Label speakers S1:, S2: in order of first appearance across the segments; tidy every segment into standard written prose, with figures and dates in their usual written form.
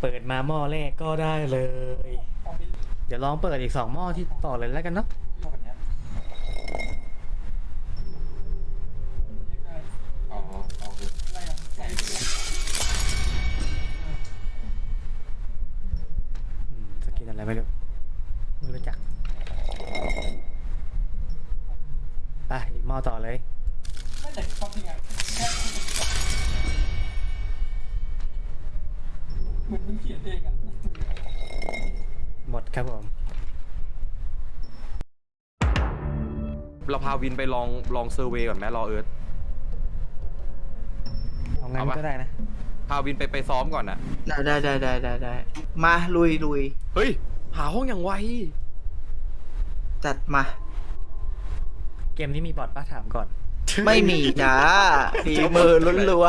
S1: เปิดมาหม้อแรกก็ได้เลย เดี๋ยวลองเปิดอีก2 หม้อที่ต่อเลยแล้วกันเนาะ
S2: อ๋อเอาเลยใส่เลย
S1: สกินอะไรไม่รู้จักไปอีกหม้อต่อเลย
S2: ไม่แต่ความจริงอะแค่เหมือนมันเขียนเองอะ
S1: หมดครับผม
S3: เราพาวินไปลองเซอร์เวย์ก่อนไหมรอเอิร์ธ
S1: เอางั้นก็ได้นะ
S3: พาวินไปซ้อมก่อนนะ
S4: ได้มาลุย
S3: เฮ้ยหาห้องอย่างไว
S4: จัดมา
S1: เกมนี้มีบอทป้าถามก่อน
S4: ไม่มีจ้าฝีมือล้วน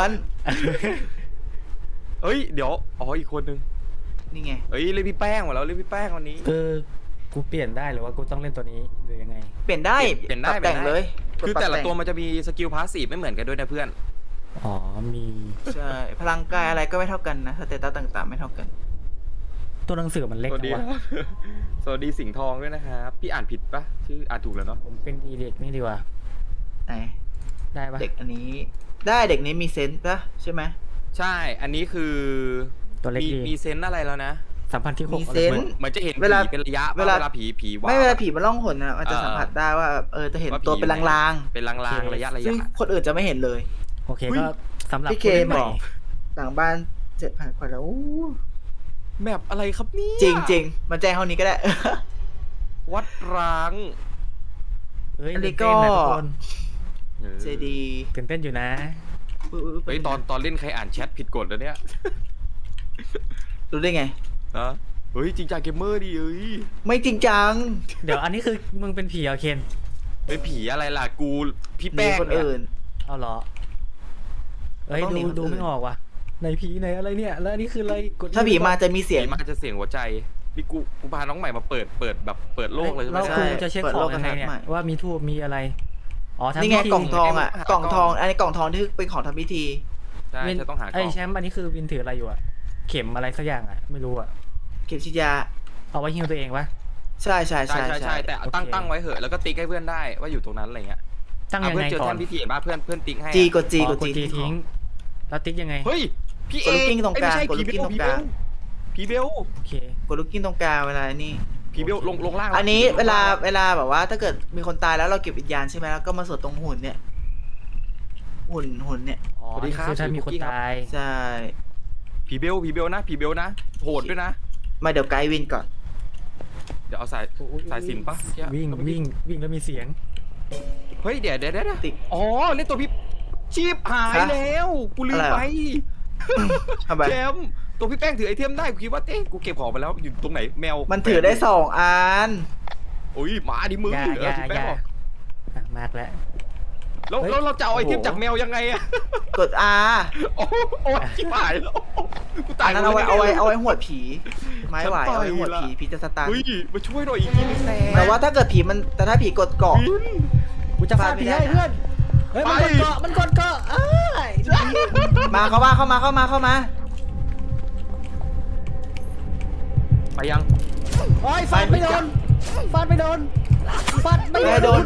S3: เอ้ยเดี๋ยวอ๋ออีกคนนึง
S4: ๆนี่ไง
S3: เอ้ยเรียกพี่แป้งมาแล้วเรียกพี่แป้งวันนี้
S1: กูเปลี่ยนได้หรือว่ากูต้องเล่นตัวนี้หรือยังไง
S4: เปลี่ยนได้
S3: เปลี่ยนได้
S4: ปรับแต่ง
S3: เปลี่ยนได้
S4: เลยกด
S3: คือ
S4: ปรับ
S3: แต่ละ
S4: ง
S3: ตัวมันจะมีสกิลพาสซีฟไม่เหมือนกันด้วยนะเพื่อน
S1: อ๋อมี
S4: ใช่พลังกายอะไรก็ไม่เท่ากันนะสเตตัสต่างๆไม่เท่ากัน
S1: ตัวหนังสือมันเล็ก
S3: สวัส
S1: จั
S3: ดี
S1: งวะ
S3: สวัสดีสิงห์ทองด้วยนะครับพี่อ่านผิดปะชื่ออ่านถูกแล้วเนาะ
S1: ผมเป็นอีเด็กนี่ดีกว่า
S4: ไหน
S1: ได้ปะ
S4: เด็กอันนี้ ได้เด็กนี้มีเซนส์ปะใช่ไหม
S3: ใช่อันนี้คือ
S1: ตัวเล็กดี
S3: มีเซนส์อะไรแล้วนะ
S1: สัมพันธ์ที่
S4: มี
S1: 6
S4: เซนส์
S3: เหมือนจะเห็น
S4: เวลา
S3: ผีเป็นระยะ
S4: เวลา
S3: ผีว่า
S4: ไม่เวลาผีมันล่องหนนะมันจะสัมผัสได้ว่าจะเห็นตัวเป็นลาง
S3: เป็นลางๆระยะ
S4: ๆซึ่งคนอื่นจะไม่เห็นเลย
S1: โอเคก็สำหรับ
S4: พี่เค
S1: ผู้ล่นให
S4: บ
S1: ม่
S4: อก หลังบ้าน7,000 กว่าแล้วอู้
S3: แมปอะไรครับเนี่ย
S4: จริงๆมันแจ้งเท่านี้ก็ได้
S3: วัดร้าง
S1: เอ้ย
S4: อันนี้
S1: ตื่เต้นะ
S4: ก็
S1: ทุกคน
S4: เจดี
S1: ตื่นเต้นอยู่นะ
S3: เฮ้ยตอนเล่นใครอ่านแชทผิดกฎแล้วเนี่ย
S4: รู้ได้ไง
S3: นะเฮ้ยจริงจังเกมเมอร์ดิเอ้ย
S4: ไม่จริงจัง
S1: เดี๋ยวอันนี้คือมึงเป็นผีเหรอเคน
S3: เป็นผีอะไรล่ะกูพี่
S4: มี
S3: แป้ง
S4: คน
S3: เนี่ย
S4: อื่น
S1: เอาเหรอเอ้ย
S4: ต้องหนีคนอื่น
S1: ดูไม่ออกว่ะในผีในอะไรเนี่ยแล้วอันนี้คืออะไรกด
S4: ถ้าผีมาจะมีเสียง
S3: ผีมาจะเสียงหัวใจพี่กูพาน้องใหม่มาเปิดแบบเปิดโลกเลยใช่ไหม
S1: แล้ว
S4: ใช่
S1: กูจะเช็ค
S4: เปิด
S1: ข
S4: โล
S1: อก งยังไงเนี่ย
S4: กระทัดใหม่
S1: ว่ามีทูบมีอะไรอ๋อทำ
S4: นี่ไง
S1: พิธี
S4: กล่องทองอ่ะ
S3: หาก
S4: ล่องทอง อันนี้กล่องทองที่เป็นของทำพิธี
S3: ใช่
S1: วิน
S3: จะต้องหากล่
S1: ไอ้
S3: อง
S1: แชมป์อันนี้คือวินถืออะไรอยู่อะเข็มอะไรสักอย่างอะไม่รู้อะ
S4: เข็มฉีดยา
S1: เอาไว้ฮิวตัวเองปะ
S4: ใช่
S3: ใช่แต่
S1: โอเค
S3: ตั้งไว้เหอะแล้วก็ติ๊กให้เพื่อนได้ว่าอยู่ตรงนั้นอะไรเงี้ย
S1: ตั้งยัง
S3: เพื่อ
S1: ไง
S3: นเจอ
S1: ก่อ
S3: แท่
S1: น
S3: นพิธีเห็นป่ะเพื่อนติ๊กให้
S4: จีกดจี
S1: อ๋อก
S4: ด
S1: กด
S4: จี
S1: จีทิ้งแล้วติ๊กยังไง
S3: เฮ้ยพี่เอ
S4: กดลูกกิ้งตรงกลาง
S3: ไม่ใช่
S4: กดลูกกิ้งตรงกลาง
S3: ผีเบล
S1: โอเค
S4: กดลูกกิ้งตรงกลางเวลานี่
S3: ผีเบลลงล่าง
S4: อันนี้เวลาแบบว่าถ้าเกิดมีคนตายแล้วเราเก็บวิญญาณใช่ไหมแล้วก็มาสวดตรงหุ่นเนี่ย หุ่นเนี่ย
S1: อ๋อนี่คือถ้ามีคนตาย
S4: ใช่
S3: ผีเบลนะผีเบลนะโหดด้วยนะ
S4: มาเดี๋ยวไกด์วินก่อน
S3: เดี๋ยวเอาสายสิญจน์ปะ
S1: วิ่งแล้วมีเสียง
S3: เฮ้ยเดี๋ยว
S4: ติ๊ก
S3: อ๋อเล่นตัวพี่ชีพหาย
S4: ฮะ
S3: แล้วกูลืม
S4: อะไร
S3: ไป
S4: ทำไม
S3: แชมป์ตัวพี่แป้งถือไอเทมได้กูคิดว่ากูเก็บของไปแล้วอยู่ตรงไหนแมว
S4: มันถือได้2 อัน
S3: โอ้ยมาดิมึง
S1: อย่า
S3: พี่แป้งบอก
S1: มากแล้ว
S3: แล้ว
S1: เฮ้ย
S3: เราจะเอาไอเทม
S4: โอ้โห
S3: จากแมวยังไงอะ
S4: กด R
S3: โอ้ยชิบหายแล้วกูตา
S4: อั
S3: ย
S4: นนั้นเอาไว้หวดผี ไม้ไหว
S3: ฉันต่
S4: เอา
S3: อย
S4: ไว้หวด
S3: ละ
S4: ผีจะสตัน
S3: เฮ้ยมาช่วยหน่อยอีกทีนึง
S4: แต่ว่าถ้าเกิดผีแต่ถ้าผีกดเกาะ
S1: กูจะฟาดผีให้เพื่อนเฮ้ยมันกดเกาะอ้าย
S4: มาเข้ามา
S3: ไปยัง
S1: โอ้ยฟาดไม่โดนฟาดไม่โดน
S4: ไฟโดน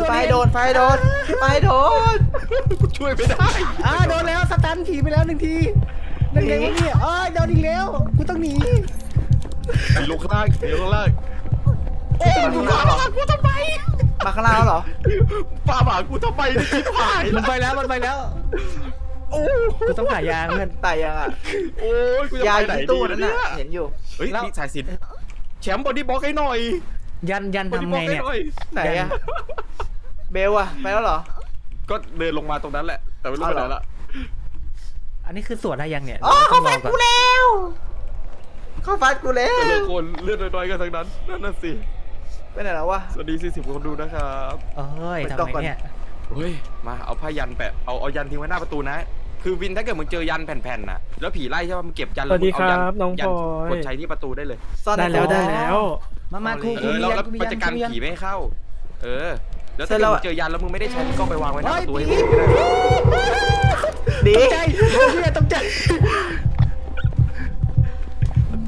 S3: กูช่วยไม่ได้
S1: โดนแล้วสตันผีไปแล้ว1 ทีนั่นไงวะเนี่ยโดนอีกแล้วกูต้องหนี
S3: ลงข้างล่างโอ้ยมึงพาหากูทำไม
S4: มาข้างล่างแล้วเหรอ
S3: พาหากูทำไมเนี่ยชิบหาย
S1: มันไปแล้ว
S3: โอ้
S1: กูต้องหายาเพื่อน
S4: ตายยังอ่ะ
S3: โอ้ยกูจะ
S4: ยา
S3: ไป
S4: อ
S3: ไหน
S4: ยู่ที่
S3: ดี
S4: ตู้นั่น
S3: เนี่ย
S4: น่ะเห็นอยู่
S3: เฮ้ยนี่สายสิญจน์แชมป์บอดี้บล็อกให้หน่อย
S1: ยัน
S3: บอดี้
S1: ทำ
S3: บล็
S1: ไง
S3: อกให้
S1: เนี่ย
S3: หน่อย
S4: ไหนอะเบลอะไปแล้วเหรอ
S3: ก็เดินลงมาตรงนั้นแหละ แต่ไม่รู้ไปไหนละ
S1: อันนี้คือสวดได้ยังเนี่ย
S4: อ๋อเขาฟัด
S1: ต้
S4: กู
S1: องรอก่อน
S4: แล้วเขาฟัดกูแล้
S3: แต่
S4: ว
S3: ละคนเลือดน้อยๆกันทั้งนั้นนั่นน่ะสิ
S4: ไปไหนแล้ววะ
S3: สวัสดี40คนดูนะครับ
S1: เอ้ย
S4: เปิด
S1: ทำ
S4: กล่อง
S1: ไม
S4: ก่อน
S1: เนี่ย
S3: เฮ้ยมาเอาผ้ายันแปะเอายันทิ้งไว้หน้าประตูนะ คือวินถ้าเกิดมึงเจอยันแผ่นๆน่ะแล้วผีไล่ใช่ป่ะมึงเก็บยัน
S5: สวัสดี
S3: แล้วมึง
S5: ครับน้อง
S3: ยั
S5: พลอย
S3: กดใช้ที่ประตูได้เลย
S4: ซ่อน
S5: ได้
S4: ใน
S5: แล้ว
S4: กล่อง
S5: ได้แล้ว
S1: มาครู
S3: แล้ว
S1: กูมี
S3: มันจะกัน
S1: ยัน
S3: ผีไม่ให้เข้า เออ แล้ว
S4: เสร็
S3: ถ้า
S4: จแล้ว
S3: เกิดมึงเจอยันแล้วมึงไม่ได้ใช้มึงก็ไปวางไว้หน้าประตูให้
S1: เฮ้
S3: มึ
S1: ย
S3: งก็ได้
S4: ดี
S1: ตกใจตกใจ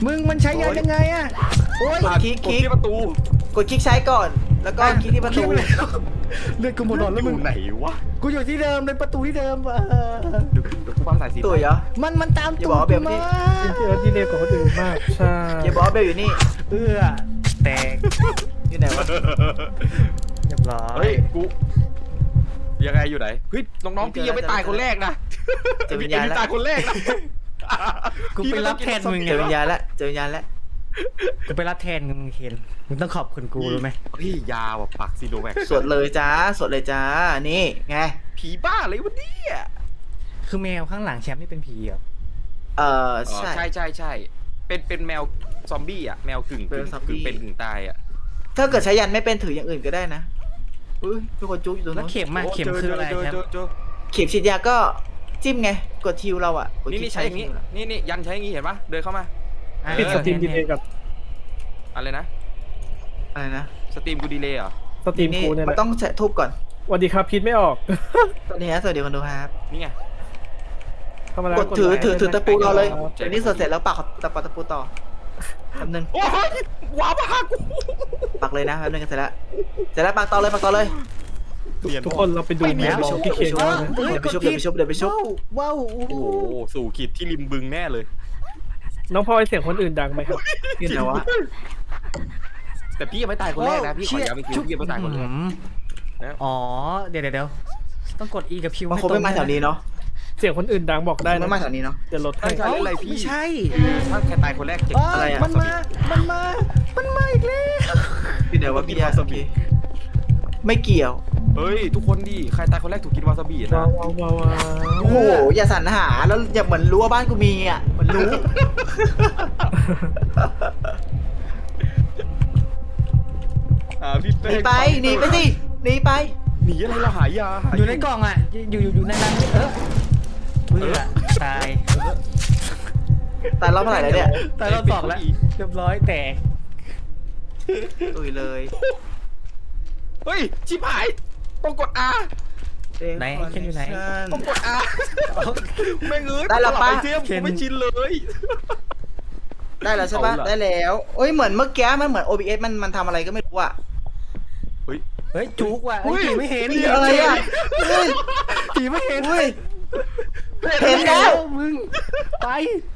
S1: มึงมันใช้ยันยังไงอะโอ้ย
S4: กดคลิก
S3: กดที่ประตู
S4: กดคลิกใช้ก่อน แล้วก็คลิกที่ประตู
S1: คลิกไปแล้วเลือดกูหมดหลอดแล้ว
S3: อ
S1: มึง
S3: ยู่ไหนวะ
S1: กูอยู่ที่เดิมเป็นประตูที่เดิม
S3: เดี๋ยวกูฟังสายสี
S4: ตัวเหรอ
S1: มันตาม
S4: อย่า
S1: ตู
S4: บอก
S1: ด
S4: ว่าเบ
S1: กู
S4: ลนี่
S1: มา
S5: ที่เร็วกว่าคนอื่นมากใช่
S4: อย่าบอกว่าเบลอยู่นี่
S1: แตก
S4: อยู่ไหนวะ
S1: เรียบร้อย
S3: เฮ้ยกูยังไงอยู่ไหนเฮ้ยน้องๆพี่ยังไม่ตายคนแรกนะ
S4: เจอวิญญาณ
S3: ไอ้
S4: แล้ว
S3: ตายคนแรกนะ
S1: กูไปรับแทนมึง
S4: เจอวิญญาณแล้วเจอวิญญาณแล้ว
S1: กูไปรับแทนมึงเคนมึงต้องขอบคุณกูรู้ไหม
S3: พี่ยาว่ะปักซีโนแวค
S4: สวดเลยจ้าสวดเลยจ้านี่ไง
S3: ผีบ้าอะไรวะเนี่ย
S1: คือแมวข้างหลังแชมป์นี่เป็นผีเหรอ
S3: อ๋อ
S4: ใช่
S3: ใช่เป็นแมวซอมบี้อ่ะแมวกึ่ง
S4: เป็นซอมบี้
S3: เป็นกึ่งตายอ่ะ
S4: ถ้าเกิดใช้ยันไม่เป็นถืออย่างอื่นก็ได้นะอุ้ยมีคนจุ๊บอยู่ตรง
S1: แล้ว
S4: นู้น
S1: เข็มมาเข็มคืออะไรแชมป์
S3: เจอ
S4: เข็มฉีดยาก็จิ้มไงกดทิวเราอ่ะกด
S3: นี่
S4: คลิ
S3: นี่
S4: ก
S3: ใช้อย่างงี้
S4: ทิวเรา
S3: นี่ยันใช้อย่างงี้เห็นปะเดินเข้ามา
S5: ปิดสตรีมดีเลยกับ
S3: อะไรนะ
S4: อะไรนะ
S3: สตรีมกูดีเลยเหรอ
S5: สตรีม
S4: นี่
S5: กูเนี่ยแห
S4: มัน
S5: ละ
S4: ต้องใช้ทุบก่อน
S5: สวัสดีครับพิดไม่ออก
S4: สวัสดีฮะสวัสดีคนดูครับ
S3: นี่ไง
S5: เข้ามาแล้ว
S4: กดถือ
S5: ไลค์
S4: ถือตะปูเราเลย
S5: ครับ
S3: ใจ
S4: เดี๋ยวนี้สวดเสร็จแล้วปักตะปูต่อแป๊บนึง
S3: โอ้ยว้าวมากู
S4: ปักเลยนะแป๊บนึงกันเสร็จแล้วปักต่อเลยปักต่อเลย
S5: ทุกคนเราไปดูแมวของพี่เคน
S4: เอ้า
S5: กันนะ
S4: เดี๋ยวไปชุบเดี๋ยวไปชุบเดี๋ยวไปชุบ
S1: ว้าวโอ้
S3: โอ้
S1: โห
S3: โหสู่ขีดที่ริมบึงแน่เลย
S5: น้องพลอยเสียงคนอื่นดังไหมครับ
S4: ขึ้นแล้ววะ
S3: แต่พี่ยังไม่ตายคนแรกนะพี่ขอย้ำอีกทีพี่ยังไม่ตายคนแรก นะ
S1: อ๋อเดี๋ยวต้องกด E กับ Q
S4: มันคงไม่มาแถวนี้เนาะ
S5: เสียงคนอื่นดังบอกได้
S4: ไม่
S5: นะ
S4: มาแถวนี้เนาะ
S5: จะลดให้
S3: ใช่อะไรพี่
S1: ไม่ใช่
S3: ถ้าใครตายคนแรกเจ็บ
S4: อะไรอะ
S1: มันมาอีกแล้ว
S4: พี่เดี๋ยวว่าพี่ยาสักทีไม่เกี่ยว
S3: เฮ้ยทุกคนดิใครตายคนแรกถูกกินวาซาบินะ
S5: ว้าวว้าวว้าวว้าว
S4: โอ้โหอย่าสรรหาแล้วอย่าเหมือนรู้ว่าบ้านกูมีอ่ะมันรู้
S3: พี่
S4: หนีไปหนีไปสิหนีไป
S3: หนีอะไรเราหายา
S1: อยู่ในกล่องอ่ะอยู่ในนั้นเบื่อตาย
S4: ตายรอบเท่าไหร่แล้วเนี่ย
S1: ตายรอบสองแล้วเรียบร้อยแตก
S4: ตุยเลย
S3: เฮ้ยชิบหายต้องกด R
S1: ไหนเคนอยู่ไหน
S3: ต้องกด R แม่งเอ้ย
S4: ได้แล้วปะ
S3: ไอเทมกูไม่ชินเลย
S4: ได้แล้วใช่ปะ
S3: เอาล่ะ
S4: ได้แล้วเอ้ยเหมือนเมื่อกี้มันเหมือน OBS มันทำอะไรก็ไม่รู้อ่ะ
S1: เฮ้ยจุกว่ะเฮ้ยผีไม่เห็น
S4: อะไรอ่ะเฮ้ย
S1: ผีไม่เห็น
S4: เฮ้ยเห็นแล้ว
S1: มึงไป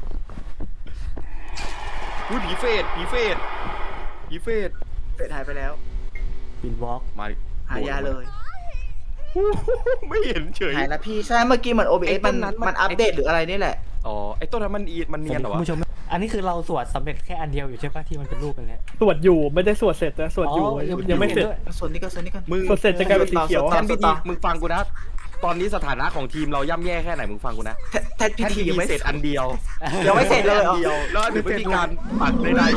S3: อุ้ยผีเฟดผีเฟด
S4: เป็ดหายไปแล้ว
S1: บินวอล์ก
S3: มา
S4: หายาเลย
S3: ไม่เห็นเฉย
S4: หายแล้วพี่ใช่เมื่อกี้เหมือน OBS
S3: ไอ้ต้นนั้นมัน
S4: มันอัปเดตหรืออะไรนี่แหละ
S3: อ๋อไอ้ต้นนั้นมันเนียนเหรอ
S1: คุณ
S3: วะ
S1: ผู้ชมอันนี้คือเราสวดสำเร็จแค่อันเดียวอยู่ใช่ปะที่มันเป็นรูปกันแล้ว
S5: สวดอยู่ไม่ได้สวดเสร็จนะสวดอยู่
S1: อ๋อ
S5: ยังไม่เสร็จ
S4: ส่วนนี้ก็ส่วนนี้กัน
S3: มึง
S5: สวดเสร็จจะกลายเป็นสีเขียว
S4: ต่อ
S3: แทนพิธีมึงฟังกูนะ ตอนนี้สถานะของทีมเราย่ำแย่แค่ไหนมึงฟังกูนะ
S4: แทนพิ
S3: แค่
S4: ธี
S3: ที
S4: ยัง
S3: ไม่
S4: ไม่
S3: เส
S4: เส
S3: ร็
S4: ร็
S3: จ
S4: จ
S3: อันเดียว
S4: ยังไม่เสร็จเลยเหรอ
S3: อันเดียวแล้วหรือวิธีการปักใด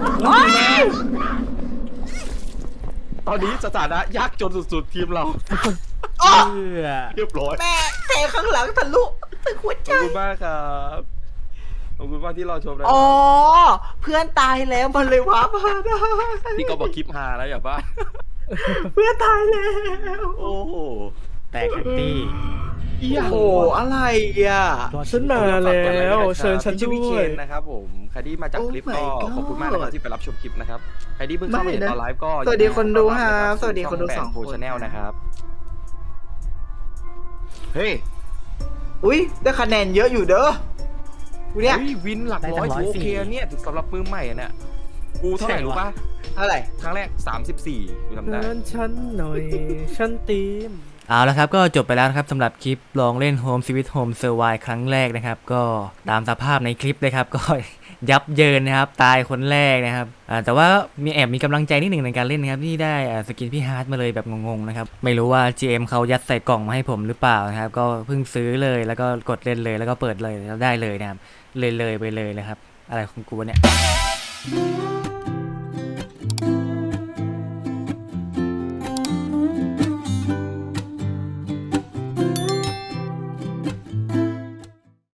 S3: ๆตอนนี้สถานะยากจนสุดๆทีมเรา
S4: อ๋อ
S1: เพื่อ
S3: เรียบร้อย
S4: แม่เทข้างหลังทะลุตึงหัว
S3: ข
S4: ใจ
S3: อบคุณมากครับขอบคุณมากที่รอชมนะ
S4: อ๋อเพื่อนตายแล้วมันเลยว้ามาได้
S3: ที่เขาบอกคลิปฮาแล้วอย่าบ้า
S4: เพื่อนตายแล้ว
S3: โอ้โห
S1: แตกแอนตี้
S4: โอ้โหอะไรอ่ะ
S5: ฉันมาแล้วเชิญฉัน
S3: ชื่อ
S5: ด้
S3: พี่เคว
S5: ย
S3: นนะครับผมใครที่มาจากคลิป
S4: Oh
S3: ก็
S4: my god
S3: ขอบคุณมากนะครับที่ไปรับชมคลิปนะครับใครที่เพิ่งเข้ามาเห็นตอนไลฟ์ก็
S4: สวัสดีคนดูครับสวัสดีคนดูสองคน
S3: ชาแนลนะครับเฮ้ย
S4: อุ้ยได้คะแนนเยอะอยู่เด้อกูเนี่ย
S3: เฮ้ยวินหลักร้อยถือโอเคเนี่ยสำหรับมือใหม่อะเนี่ยกูเท่าไหร่รู้ป่ะ
S4: เท่าไหร่
S3: ครั้งแรก34กูจำได้
S5: เพื่อนฉันหน่อยฉันตีม
S1: เอาละครับก็จบไปแล้วนะครับสำหรับคลิปลองเล่น Home Sweet Home Survive ครั้งแรกนะครับก็ตามสภาพในคลิปเลยครับ ก็ ยับเยินนะครับตายคนแรกนะครับแต่ว่ามีกำลังใจนิดหนึ่งในการเล่นนะครับที่ได้สกินพี่ฮาร์ดมาเลยแบบงงๆนะครับไม่รู้ว่า GM เขายัดใส่กล่องมาให้ผมหรือเปล่านะครับก็เพิ่งซื้อเลยแล้วก็กดเล่นเลยแล้วก็เปิดเลยแล้วได้เลยนะครับเลยไปเลยนะครับอะไรของกูวะเนี่ย